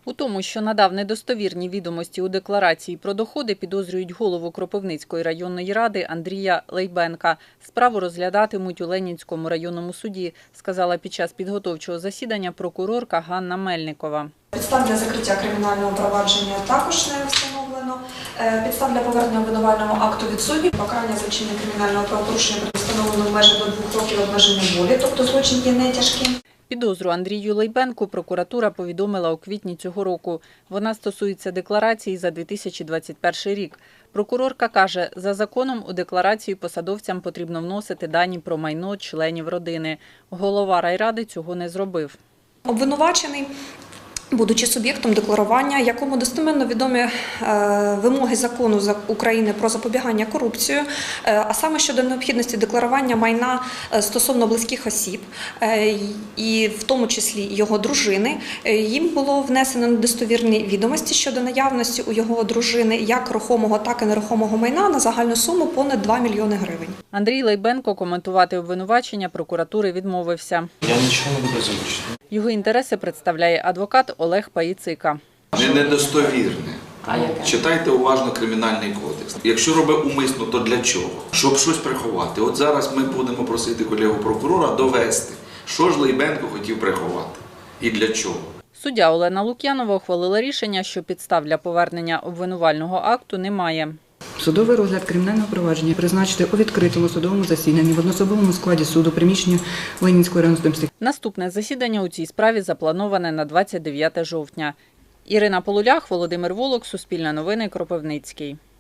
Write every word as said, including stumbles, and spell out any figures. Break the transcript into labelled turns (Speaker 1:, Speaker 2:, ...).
Speaker 1: У тому, що надав недостовірні відомості у декларації про доходи, підозрюють голову Кропивницької районної ради Андрія Лейбенка. Справу розглядатимуть у Ленінському районному суді, сказала під час підготовчого засідання прокурорка Ганна Мельникова.
Speaker 2: Підстав для закриття кримінального провадження також не встановлено. Підстав для повернення обвинувального акту відсутні. Покарання за вчинення кримінального правопорушення буде встановлено в межах до двох років обмеження волі, тобто злочин є не тяжким.
Speaker 1: Підозру Андрію Лейбенку прокуратура повідомила у квітні цього року. Вона стосується декларації за дві тисячі двадцять перший рік. Прокурорка каже, за законом у декларацію посадовцям потрібно вносити дані про майно членів родини. Голова райради цього не зробив.
Speaker 2: Обвинувачений, будучи суб'єктом декларування, якому достеменно відомі вимоги закону України про запобігання корупції, а саме щодо необхідності декларування майна стосовно близьких осіб, і в тому числі його дружини, їм було внесено недостовірні відомості щодо наявності у його дружини як рухомого, так і нерухомого майна на загальну суму понад два мільйони гривень.
Speaker 1: Андрій Лейбенко коментувати обвинувачення прокуратури відмовився.
Speaker 3: Я нічого не буду озвучити.
Speaker 1: Його інтереси представляє адвокат Олег Паїцика.
Speaker 4: Не недостовірне. Читайте уважно Кримінальний кодекс. Якщо робить умисно, то для чого? Щоб щось приховати. От зараз ми будемо просити колегу прокурора довести, що ж Лейбенко хотів приховати і для чого.
Speaker 1: Суддя Олена Лук'янова ухвалила рішення, що підстав для повернення обвинувального акту немає.
Speaker 5: Судовий розгляд кримінального провадження призначити у відкритому судовому засіданні в одноособовому складі суду приміщення Ленінської районної суду.
Speaker 1: Наступне засідання у цій справі заплановане на двадцять дев'яте жовтня. Ірина Полулях, Володимир Волок, Суспільне новини, Кропивницький.